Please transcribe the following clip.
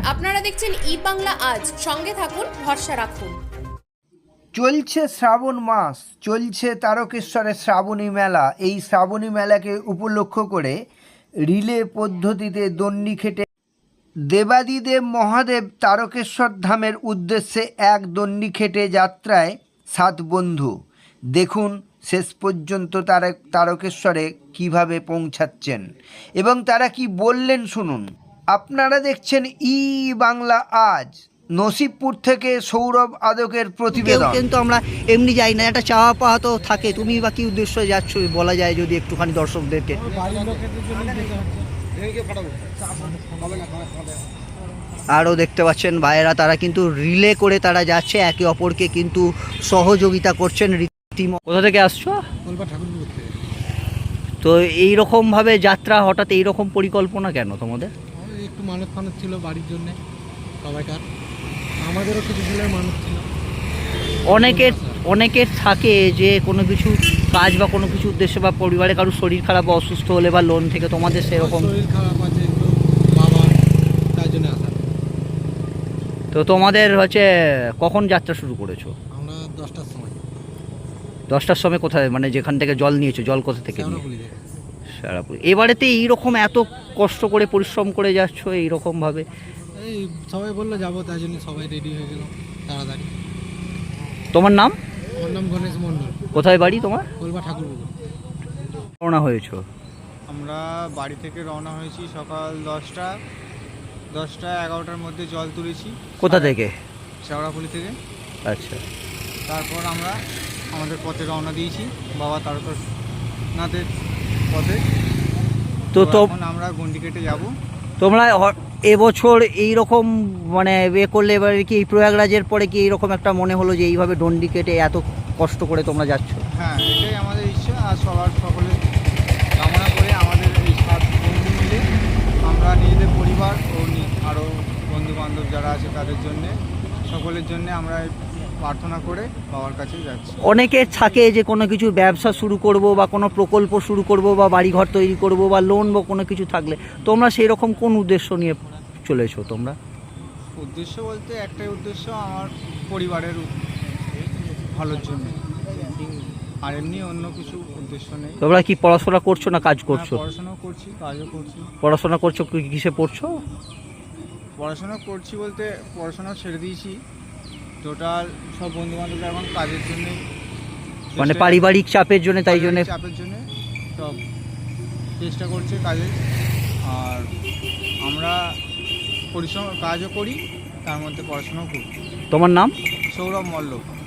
আপনারা দেখছেন ই বাংলা আজ, সঙ্গে থাকুন, ভরসা রাখুন। চলছে শ্রাবণ মাস, চলছে তারকেশ্বরের শ্রাবণী মেলা। এই শ্রাবণী মেলাকে উপলক্ষ করে রিলে পদ্ধতিতে দণ্ডি খেটে দেবাদিদেব মহাদেব তারকেশ্বর ধামের উদ্দেশ্যে এক দণ্ডি খেটে যাত্রায় 7 বন্ধু। দেখুন শেষ পর্যন্ত তারকেশ্বরে কিভাবে পৌঁছাচ্ছেন এবং তারা কি বললেন শুনুন। আপনারা দেখছেন ই বাংলা আজ। নসিবপুর থেকে সৌরভ আদকের প্রতিবেদন। কিন্তু আমরা এমনি যাই না, একটা চাওয়া পাওয়া তো থাকে। তুমি বা কি উদ্দেশ্যে যাচ্ছ বলা যায় যদি একটুখানি দর্শকদেরকে। আরও দেখতে পাচ্ছেন ভাইয়েরা, তারা কিন্তু রিলে করে তারা যাচ্ছে, একে অপরকে কিন্তু সহযোগিতা করছেন রীতিমতো। কোথা থেকে আসছো? তো এইরকমভাবে যাত্রা, হঠাৎ এইরকম পরিকল্পনা কেন তোমাদের? একটু মানত ফানত ছিল বাড়ির জন্য সবাইকার, আমাদেরও কিছু দিনের মানত ছিল। অনেকের থাকে যে কোনো কিছু কাজ বা কোনো কিছু উদ্দেশ্যে, বা পরিবারে কারোর শরীর খারাপ বা অসুস্থ হলে বা লোন থেকে, তোমাদের সেরকম শরীর খারাপ আছে একটু বাবা, তাই জন্য আসা। তো তোমাদের হচ্ছে কখন যাত্রা শুরু করেছো? আমরা 10টার সময়। 10টার সময় কোথায়, মানে যেখান থেকে জল নিয়েছো, জল কোথা থেকে নিয়ে? সারাপুর। এবারেতে এইরকম এত কষ্ট করে পরিশ্রম করে যাচ্ছ এইরকমভাবে? এই সবাই বললো যাবো, তাই জন্য সবাই রেডি হয়ে গেল তাড়াতাড়ি। তোমার নাম? আমার নাম গণেশ মণ্ডল। কোথায় বাড়ি তোমার? কলবা ঠাকুরপুকুর। রওনা হয়েছো? আমরা বাড়ি থেকে রওনা হয়েছি সকাল 10টা 11টার মধ্যে জল তুলেছি। কোথা থেকে? শেওড়াফুলি থেকে। আচ্ছা। তারপর আমরা আমাদের পথে রওনা দিয়েছি বাবা তারকেশ্বরনাথের পথে। তো এখন আমরা গন্ডি কেটে যাবো। তোমরা এবছর এইরকম মানে করলে, এবারে কি এই প্রয়াগরাজের পরে কি এইরকম একটা মনে হলো যে এইভাবে ডন্ডি কেটে এত কষ্ট করে তোমরা যাচ্ছ? হ্যাঁ, এটাই আমাদের ইচ্ছা। আর সকলে কামনা করে আমাদের এই 7 বন্ধু মিলে আমরা নিজেদের পরিবার ও আরও বন্ধুবান্ধব যারা আছে তাদের জন্যে, সকলের জন্যে আমরা প্রার্থনা করে বাবার কাছে যাচ্ছি। অনেকের থাকে যে কোনো কিছু ব্যবসা শুরু করব বা কোনো প্রকল্প শুরু করব বা বাড়িঘর তৈরি করব বা লোন বা কোনো কিছু থাকলে, তোমরা সেই রকম কোন উদ্দেশ্য নিয়ে চলেছো তোমরা? উদ্দেশ্য বলতে একটাই উদ্দেশ্য, আমার পরিবারের ভালোর জন্য, আর এমনি অন্য কিছু উদ্দেশ্য নেই। তোমরা কি পড়াশোনা করছো না কাজ করছো? পড়াশোনা করছি, কাজও করছি। পড়াশোনা করছো, কিসে পড়ছো? পড়াশোনা করছি বলতে পড়াশোনা ছেড়ে দিয়েছি। টোটাল সব বন্ধুবান্ধবরা এখন কাজের জন্য, মানে পারিবারিক চাপের জন্য, তাই জন্য চাপের জন্য সব চেষ্টা করছে কাজে। আর আমরা পরিশ্রম কাজও করি, তার মধ্যে পড়াশোনাও করি। তোমার নাম? সৌরভ মল্ল।